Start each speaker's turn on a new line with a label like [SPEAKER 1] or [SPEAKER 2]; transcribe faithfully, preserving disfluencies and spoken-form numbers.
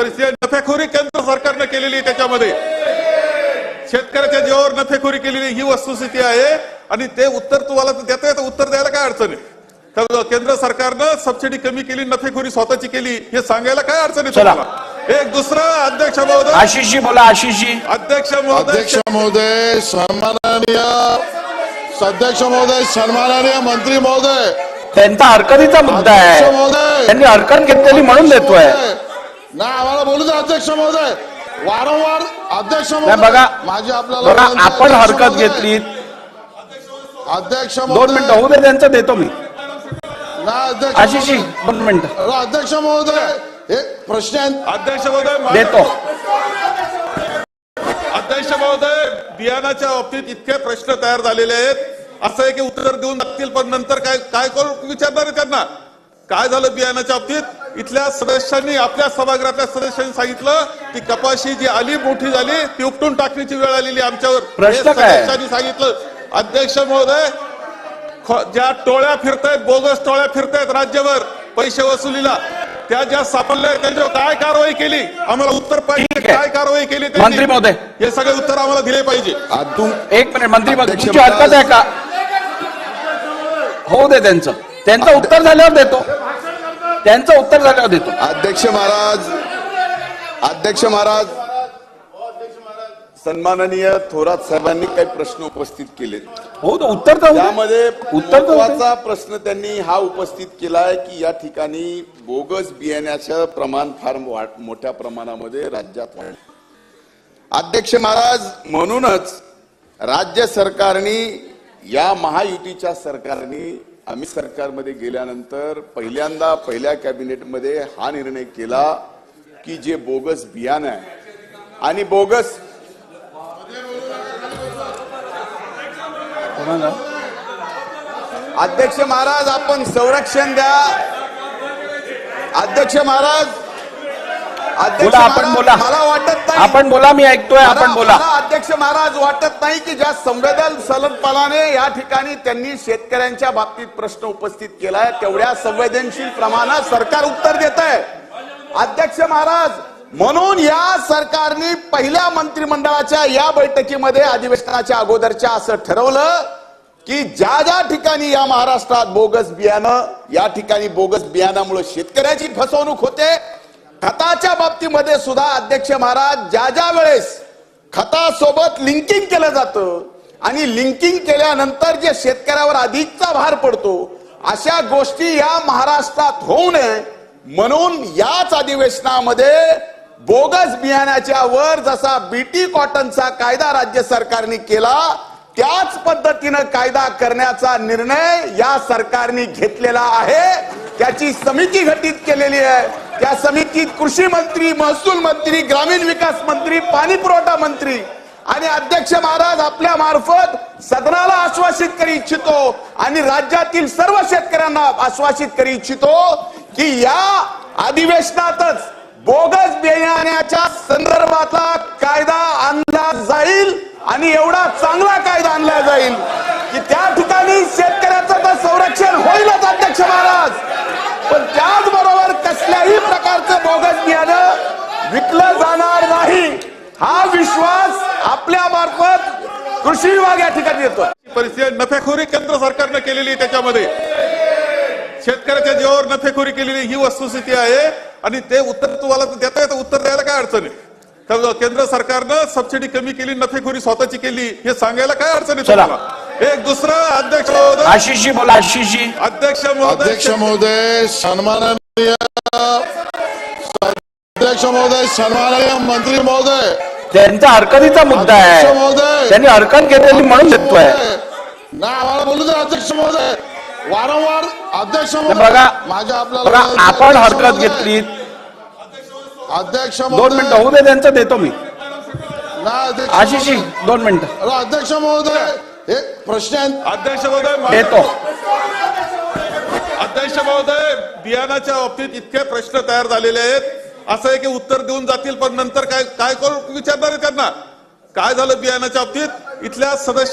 [SPEAKER 1] परिस्थिती नफेखोरी केंद्र सरकारने केलेली आहे, त्याच्यामध्ये शेतकऱ्याच्या जीवावर नफेखोरी केलेली ही वस्तुस्थिती आहे। आणि ते उत्तर तुम्हाला देता येतं, उत्तर द्यायला काय अडचण आहे? तर केंद्र सरकारनं सबसिडी कमी केली, नफेखोरी स्वतःची केली, हे सांगायला काय अडचण आहे तुम्हाला? एक दुसरा अध्यक्ष महोदय,
[SPEAKER 2] आशिष जी बोला, आशिष जी।
[SPEAKER 1] अध्यक्ष महोदय,
[SPEAKER 3] अध्यक्ष महोदय, सन्माननीय अध्यक्ष महोदय, सन्माननीय मंत्री महोदय,
[SPEAKER 2] त्यांचा हरकतीचा मुद्दा आहे, त्यांनी हरकत घेतलेली म्हणून देतोय
[SPEAKER 3] ना, आम्हाला बोलू द्या अध्यक्ष महोदय। वारंवार अध्यक्ष
[SPEAKER 2] नाही बघा,
[SPEAKER 3] माझी आपल्याला
[SPEAKER 2] बघा आपण हरकत घेतली,
[SPEAKER 3] अध्यक्ष
[SPEAKER 2] दोन मिनिटं होऊ दे, त्यांचं देतो मी
[SPEAKER 3] ना अध्यक्ष
[SPEAKER 2] आशिष जी, दोन मिनिटं
[SPEAKER 3] अध्यक्ष महोदय, हे प्रश्न
[SPEAKER 1] अध्यक्ष महोदय
[SPEAKER 2] देतो।
[SPEAKER 1] अध्यक्ष महोदय, बियाणाच्या बाबतीत इतके प्रश्न तयार झालेले आहेत, असं आहे की उत्तर देऊन लागतील, पण नंतर काय काय करू विचारणार आहे त्यांना? काय झालं बियाणाच्या बाबतीत? इथल्या सदस्यांनी, आपल्या सभागृहातल्या सदस्यांनी सांगितलं ती कपाशी जी आली मोठी झाली ती उपटून टाकण्याची वेळ आलेली आमच्यावर,
[SPEAKER 2] प्रश्न काय?
[SPEAKER 1] सदस्यांनी सांगितलं। अध्यक्ष महोदय, ज्या टोळ्या फिरतायत, बोगस टोळ्या फिरतायत राज्यभर पैसे वसुलीला, त्या ज्या सापडल्या त्यांच्यावर काय कारवाई केली? आम्हाला उत्तर पाहिजे, काय कारवाई केली
[SPEAKER 2] मंत्री महोदय,
[SPEAKER 1] हे सगळे उत्तर आम्हाला दिले पाहिजे।
[SPEAKER 2] एक मिनिट मंत्री महोदय, तुमची हरकत आहे का? होऊ दे, त्यांचं त्यांचं उत्तर झाल्यावर देतो, त्यांचं उत्तर झाल्यावर देतो।
[SPEAKER 4] अध्यक्ष महाराज, अध्यक्ष महाराज, सन्माननीय थोरात साहेबांनी काही प्रश्न उपस्थित केले,
[SPEAKER 2] हो तो उत्तर तर
[SPEAKER 4] त्यामध्ये
[SPEAKER 2] उत्तर
[SPEAKER 4] महत्त्वाचा प्रश्न त्यांनी हा उपस्थित केलाय की या ठिकाणी बोगस बियाण्याचं प्रमाण फार मोठ्या प्रमाणामध्ये राज्यात वाढलं। अध्यक्ष महाराज, म्हणूनच राज्य सरकारने, या महायुतीच्या सरकारने, आम्ही सरकारमध्ये गेल्यानंतर पहिल्यांदा पहिल्या कॅबिनेटमध्ये हा निर्णय केला की जे बोगस बियाणं आहे आणि बोगस अध्यक्ष महाराज, आपण संरक्षण द्या। अध्यक्ष महाराज, अध्यक्ष
[SPEAKER 2] आपण बोला,
[SPEAKER 4] मला वाटत नाही,
[SPEAKER 2] आपण बोला, मी ऐकतोय, आपण बोला।
[SPEAKER 4] अध्यक्ष महाराज, वाटत नाही की ज्या संवेदनशीलपणाने या ठिकाणी त्यांनी शेतकऱ्यांच्या बाबतीत प्रश्न उपस्थित केलाय तेवढ्या संवेदनशील प्रमाणात सरकार उत्तर देत आहे। अध्यक्ष महाराज, म्हणून या सरकारने पहिल्या मंत्रिमंडळाच्या या बैठकीमध्ये अधिवेशनाच्या अगोदरच्या असं ठरवलं की ज्या ज्या ठिकाणी या महाराष्ट्रात बोगस बियाणं, या ठिकाणी बोगस बियाणामुळे शेतकऱ्याची फसवणूक होते, खताच्या बाबतीमध्ये सुद्धा अध्यक्ष महाराज, ज्या ज्या वेळेस खतासोबत लिंकिंग केलं जातं आणि लिंकिंग केल्यानंतर जे शेतकऱ्यावर अधिकचा भार पडतो, अशा गोष्टी या महाराष्ट्रात होऊ नये म्हणून याच अधिवेशनामध्ये बोगस बियाण्याच्या वर जसा बीटी कॉटनचा कायदा राज्य सरकारने केला, त्याच पद्धतीनं कायदा करण्याचा निर्णय या सरकारने घेतलेला आहे। त्याची समिती गठीत केलेली आहे, त्या समितीत कृषी मंत्री, महसूल मंत्री, ग्रामीण विकास मंत्री, पाणी पुरवठा मंत्री आणि अध्यक्ष महाराज, आपल्या मार्फत सदनाला आश्वासित करू इच्छितो आणि राज्यातील सर्व शेतकऱ्यांना आश्वासित करू इच्छितो की या अधिवेशनातच बोगस बियाण्याच्या संदर्भातला कायदा आणला जाईल आणि एवढा चांगला कायदा आणला जाईल की त्या ठिकाणी शेतकऱ्याचं तर संरक्षण होईलच अध्यक्ष महाराज, पण त्याचबरोबर कसल्याही प्रकारचं बोगस बियाणं विकलं जाणार नाही, हा विश्वास आपल्या मार्फत कृषी विभाग या ठिकाणी देतो।
[SPEAKER 1] परिस्थिती नफेखोरी केंद्र सरकारने केलेली आहे, त्याच्यामध्ये शेतकऱ्याच्या जीवावर नफेखोरी केलेली ही वस्तुस्थिती आहे। आणि ते उत्तर तुम्हाला देता येतं, उत्तर द्यायला काय अडचण आहे? तर केंद्र सरकारनं सबसिडी कमी केली, नफेखोरी स्वतःची केली, हे सांगायला काय अडचण आहे तुम्हाला? एक दुसरा अध्यक्ष महोदय,
[SPEAKER 2] आशिष जी बोला, आशिष जी।
[SPEAKER 1] अध्यक्ष महोदय,
[SPEAKER 3] अध्यक्ष महोदय, सन्माननीय अध्यक्ष महोदय, सन्माननीय मंत्री महोदय,
[SPEAKER 2] त्यांचा हरकतीचा मुद्दा आहे, त्यांनी हरकत घेतलेली म्हणून देतोय
[SPEAKER 3] ना, आम्हाला बोलू द्या अध्यक्ष महोदय। वारंवार अध्यक्ष
[SPEAKER 2] बघा,
[SPEAKER 3] माझ्या
[SPEAKER 2] आपल्याला आपण हरकत घेतली,
[SPEAKER 3] अध्यक्ष
[SPEAKER 2] दोन मिनिटं होऊ दे, त्यांचं देतो मी आशिष जी, दोन मिनिटं
[SPEAKER 3] अध्यक्ष महोदय, हे प्रश्न
[SPEAKER 1] अध्यक्ष महोदय,
[SPEAKER 2] देतो।
[SPEAKER 1] अध्यक्ष महोदय, बियाणाच्या बाबतीत इतके प्रश्न तयार झालेले आहेत, असं आहे की उत्तर देऊन जातील, पण नंतर काय काय करू विचारणार आहे त्यांना? काय झालं बियाणाच्या बाबतीत? इथल्या सदस्य